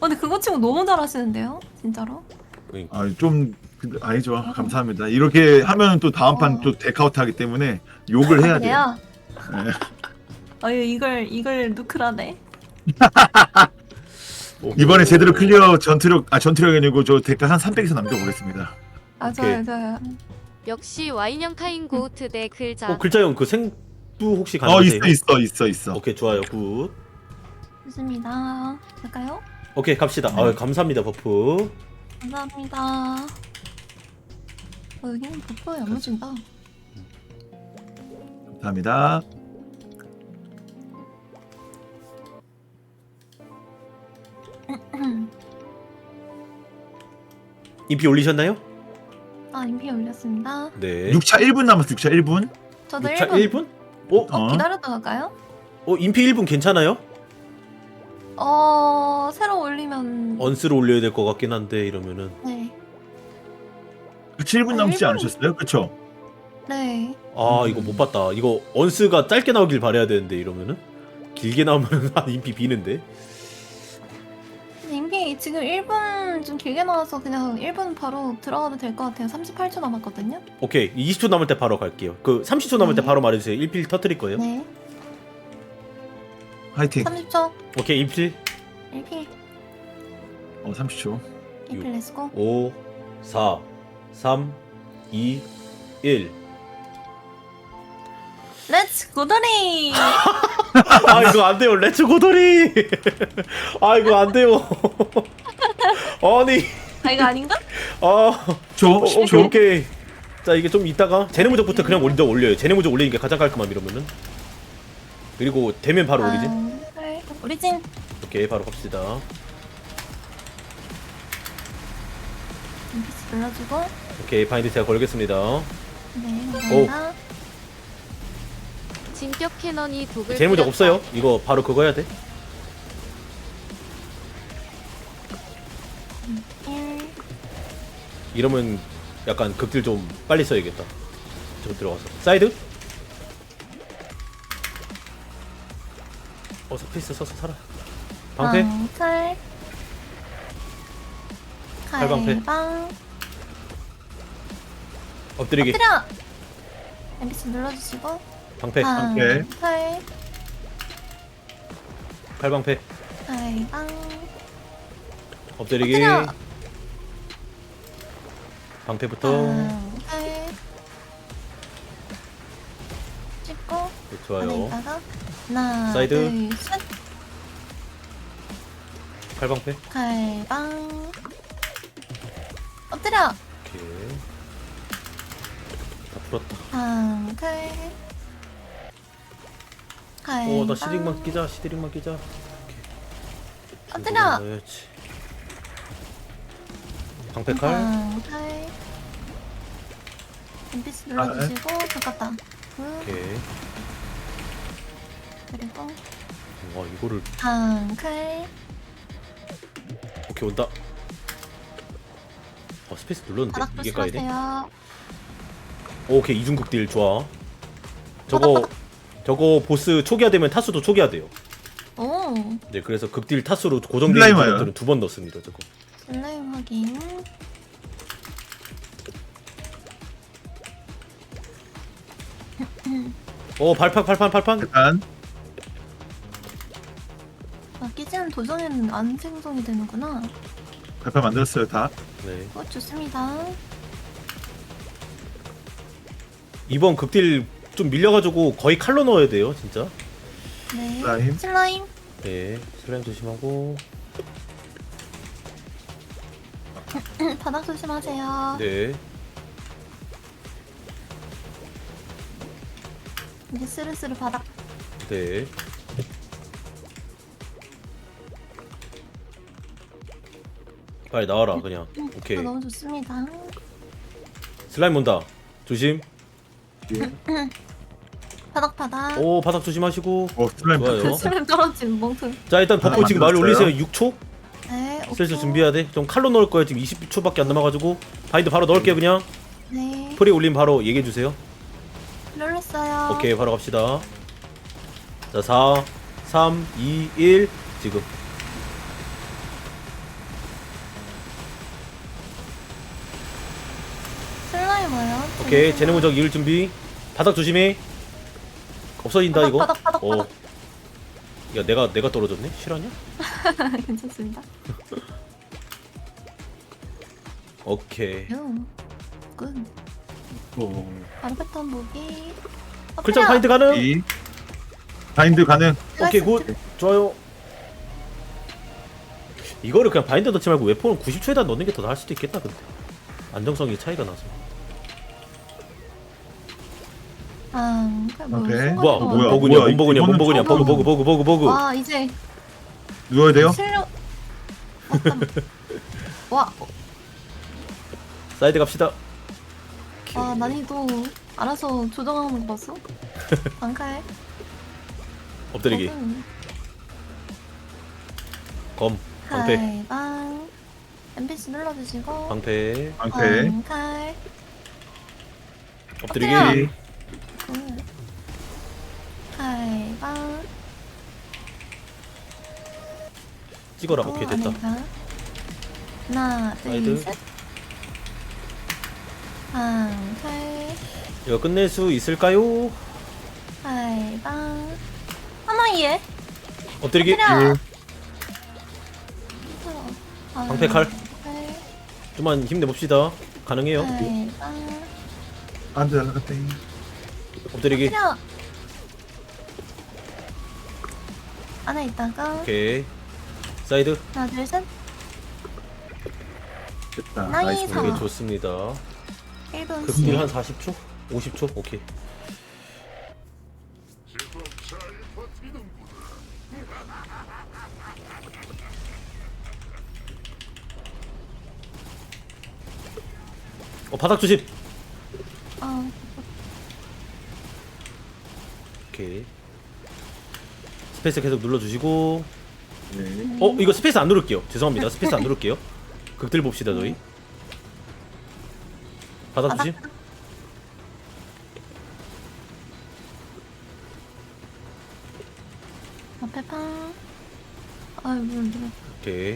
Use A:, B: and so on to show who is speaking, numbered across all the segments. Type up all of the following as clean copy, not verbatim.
A: 근데 그거 치고 너무 잘하시는데요? 진짜로?
B: 그러니까.
C: 좀 아니죠. 감사합니다. 이렇게 하면 또 다음 판 또 데카우트 하기 때문에 욕을 해야 돼요.
A: 그래요?
C: 네.
A: 아유 이걸 누크라네.
C: 이번에 제대로 클리어 전투력이 아니고 저 데카 한 300에서 남겨보겠습니다.
A: 아
B: 오케이.
A: 좋아요.
D: 역시 와인형 카인 고우트 대 글자.
B: 글자형 그 생부 혹시 가능하세요?
C: 있어.
B: 오케이 좋아요 굿.
A: 좋습니다. 갈까요?
B: 오케이 갑시다. 감사합니다 버프.
A: 감사합니다. 여기는 버프 야무진다.
C: 감사합니다.
B: 인피 올리셨나요?
A: 아 인피 올렸습니다.
B: 네.
C: 6차 1분 남았어. 6차 1분.
A: 저도
B: 6차
A: 1분
B: 1분?
A: 기다렸다 갈까요?
B: 인피 1분 괜찮아요?
A: 새로 올리면
B: 언스로 올려야 될 것 같긴 한데 이러면은
A: 네.
C: 7분 남지
A: 1분.
C: 않으셨어요? 그쵸?
A: 네.
B: 이거 못 봤다. 이거 언스가 짧게 나오길 바라야 되는데 이러면은 길게 나오면은 인피 비는데.
A: 인피 지금 1분 좀 길게 나와서 그냥 1분 바로 들어가도 될 것 같아요. 38초 남았거든요.
B: 오케이 20초 남을 때 바로 갈게요. 그 30초 남을 때
A: 네.
B: 바로 말해주세요. 1필 터트릴 거예요.
A: 네.
C: 화이팅.
A: 30초.
B: 오케이 1필
A: 1필.
C: 30초.
A: 1필 렛츠고.
B: 5 4 3 2 1
A: 렛츠 고돌이.
B: 이거 안 돼요. 레츠 고돌이. 이거 안 돼요. 아니
A: 이거 아닌가?
B: 오케이 오케이. 자 이게 좀 이따가 제네무적부터 그냥 먼저 올려요. 제네무적 올리는 게 가장 깔끔함 이러면은. 그리고 되면 바로 올리지.
A: 그래. 오리진.
B: 오케이 바로 갑시다.
A: 인피스 눌러주고.
B: 오케이 바인드 제가 걸겠습니다.
A: 네. 감사합니다.
D: 진격 캐논이 독을.
B: 제네무적
D: 뿌렸다.
B: 없어요? 이거 바로 그거 해야 돼.
A: 1.
B: 이러면 약간 극딜 좀 빨리 써야겠다. 저 들어가서 사이드. 스페이스 써서 살아. 방패.
A: 칼.
B: 칼방패.
A: 칼방.
B: 엎드리기.
A: 엎드려. 인피스 눌러주시고.
B: 방패.
C: 오케이.
A: 칼.
B: 칼방패.
A: 칼방.
B: 엎드리기.
A: 엎드려.
B: 방패부터.
A: 칼. 찍고.
B: 네, 좋아요.
A: 안에다가 하나,
B: 사이드.
A: 둘, 셋.
B: 칼방패.
A: 칼방. 엎드려.
B: 오케이. 다 풀었다.
A: 칼. 칼방.
B: 나 시드링만 끼자. 시드링만 끼자.
A: 엎드려.
B: 넣어야지. 방패 칼.
A: 칼. NPC 눌러주시고 바꿨다.
B: 오케이.
A: 그리고
B: 와 이거를
A: 칼.
B: 오케이 온다. 스페이스 눌렀는데
A: 바닥
B: 이게 까이네.
A: 조심하세요.
B: 오케이 이중극 딜 좋아. 저거 보스 초기화되면 타수도 초기화돼요.
A: 오.
B: 네 그래서 극딜 타수로 고정되는
C: 슬라임화요?
B: 것들은 2번 넣습니다. 저거.
A: 슬라임 확인.
B: 발판.
C: 일단
A: 끼지는 도전에는 안 생성이 되는구나.
C: 발표 만들었어요 다.
B: 네.
A: 좋습니다.
B: 이번 극딜 좀 밀려가지고 거의 칼로 넣어야 돼요 진짜.
A: 네.
C: 슬라임.
A: 슬라임.
B: 네 슬라임 조심하고.
A: 바닥 조심하세요.
B: 네.
A: 이제 스르스르 바닥.
B: 네. 빨리 나와라 그냥. 오케이.
A: 너무 좋습니다.
B: 슬라임 온다. 조심.
A: 바닥 바닥.
B: 바닥 조심하시고.
C: 슬라임.
B: 좋아요.
A: 슬라임 떨어진 멍통.
B: 자 일단 버프 지금 말
C: 만들었어요?
B: 올리세요. 6초?
A: 네.
B: 슬슬
A: 오케이.
B: 준비해야 돼. 좀 칼로 넣을 거예요. 지금 20초밖에 안 남아가지고. 바인드 바로 넣을게요 그냥.
A: 네.
B: 프리 올림 바로 얘기해 주세요.
A: 눌렀어요.
B: 오케이 바로 갑시다. 자 4 3 2 1 지금. 오케이 쟤네 무적 이을 준비. 바닥 조심해. 없어진다 이거.
A: 바닥.
B: 야 내가 떨어졌네. 실화냐?
A: 괜찮습니다.
B: 오케이.
A: 굿. 바로 패턴 보기.
B: 글자 파인드 가능?
C: 이 바인드 가능.
B: 오케이 굿. 좋아요. 이거를 그냥 바인드 넣지 말고 웨폰은 90초에다 넣는 게 더 나을 수도 있겠다. 근데 안정성이 차이가 나서.
C: 오케이.
B: 뭐야?
C: 뭐야,
B: 몸버그냐?
C: 이거는
B: 몸버그냐? 버그.
A: 와 이제
C: 누워야 돼요?
A: 실력. 와,
B: 사이드 갑시다.
A: 와 난이도 알아서 조정하는 거 봤어? 방칼.
B: 엎드리기. 검. 방패.
A: 칼방. NPC 눌러주시고.
B: 방패.
C: 방패.
A: 방칼.
B: 엎드리기.
A: 엎드려. 굿. 칼방.
B: 찍어라. 오케이 됐다.
A: 하나,
B: 사이드.
A: 둘, 셋. 방칼.
B: 이거 끝낼 수 있을까요?
A: 칼방. 하나이에.
B: 엎드리기.
A: 엎드려.
B: 방패 칼. 좀만 힘내봅시다. 가능해요.
A: 칼방.
C: 안돼 날라갔다.
B: 엎드리기.
A: 엎드려. 안에 있다가
B: 오케이. 사이드.
A: 하나, 둘, 셋.
C: 됐다.
A: 나이스.
C: 나이스.
B: 오케이 좋습니다.
A: 1분
B: 급딜 한 40초? 50초? 오케이. 바닥 조심. 오케이. 스페이스 계속 눌러주시고.
C: 네.
B: 이거 스페이스 안 누를게요. 죄송합니다. 스페이스 안 누를게요. 극딜 봅시다 저희. 바닥 조심.
A: 앞에 팡. 아이고.
B: 오케이.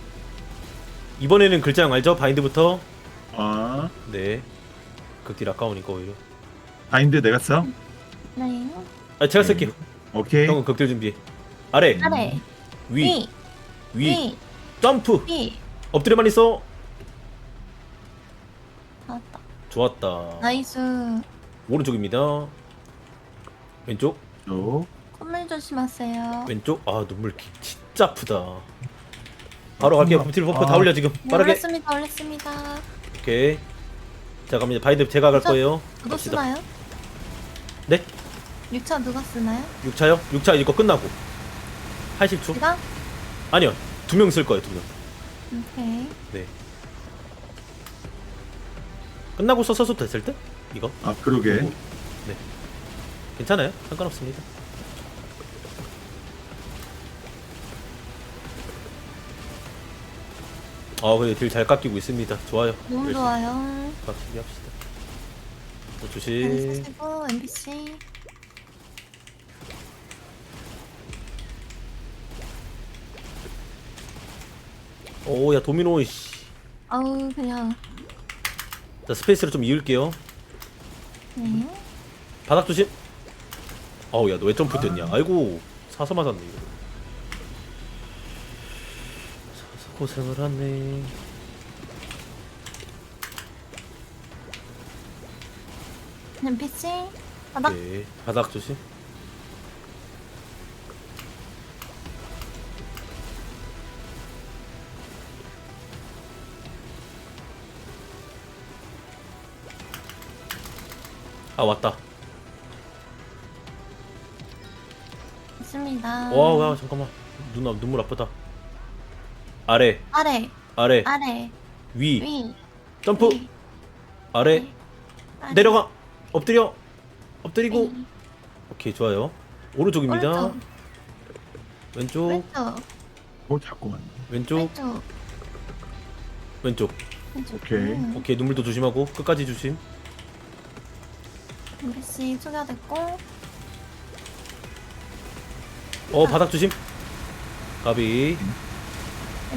B: 이번에는 글자형 알죠? 바인드부터.
C: 아
B: 네. 극딜 아까우니까 오히려.
C: 바인드 내가 써.
A: 네.
B: 제가 쓸게요.
C: 오케이.
B: 형은 극딜 준비해. 아래,
A: 아래.
B: 위, 위,
A: 위.
B: 점프.
A: 위.
B: 엎드려만 있어.
A: 나왔다.
B: 좋았다.
A: 나이스.
B: 오른쪽입니다. 왼쪽,
A: 콧물 조심하세요.
B: 왼쪽. 아 눈물 진짜 아프다. 바로 갈게요. 극딜 버프 다 올려 지금.
A: 네,
B: 빠르게.
A: 올렸습니다.
B: 오케이. 자 갑니다. 바인드 제가 갈 거예요.
A: 누가
B: 갑시다.
A: 쓰나요?
B: 네?
A: 6차 누가 쓰나요?
B: 6차요? 6차 이거 끝나고 80초?
A: 제가?
B: 아니요. 2명 쓸 거예요. 2명.
A: 오케이.
B: 네. 끝나고 써서 됐을 때? 이거?
C: 아 그러게.
B: 네. 괜찮아요. 상관없습니다. 그래 딜 잘 깎이고 있습니다. 좋아요.
A: 너무
B: 열심히
A: 좋아요.
B: 깎이게 합시다. 자,
A: 잘
B: 조심.
A: 쓰시고 NPC.
B: 야 도미노 씨.
A: 아우 그냥.
B: 자 스페이스를 좀 이을게요.
A: 네.
B: 바닥 조심. 야 너 왜 점프 됐냐? 아이고 사서 맞았네 이거. 사서 고생을 하네.
A: NPC. 바닥.
B: 오케이. 바닥 조심. 왔다.
A: 있습니다.
B: 와 잠깐만. 눈물 아프다. 아래,
A: 아래.
B: 아래,
A: 아래.
B: 위,
A: 위.
B: 점프,
A: 위.
B: 아래,
A: 아래.
B: 내려가, 엎드려, 엎드리고.
A: 위.
B: 오케이 좋아요. 오른쪽입니다.
A: 오른쪽.
B: 왼쪽,
A: 왼쪽.
C: 자꾸만.
B: 왼쪽,
A: 왼쪽.
B: 왼쪽.
A: 왼쪽.
C: 오케이.
B: 오케이 눈물도 조심하고 끝까지 조심.
A: NPC 초기화됐고.
B: 바닥 조심. 가비.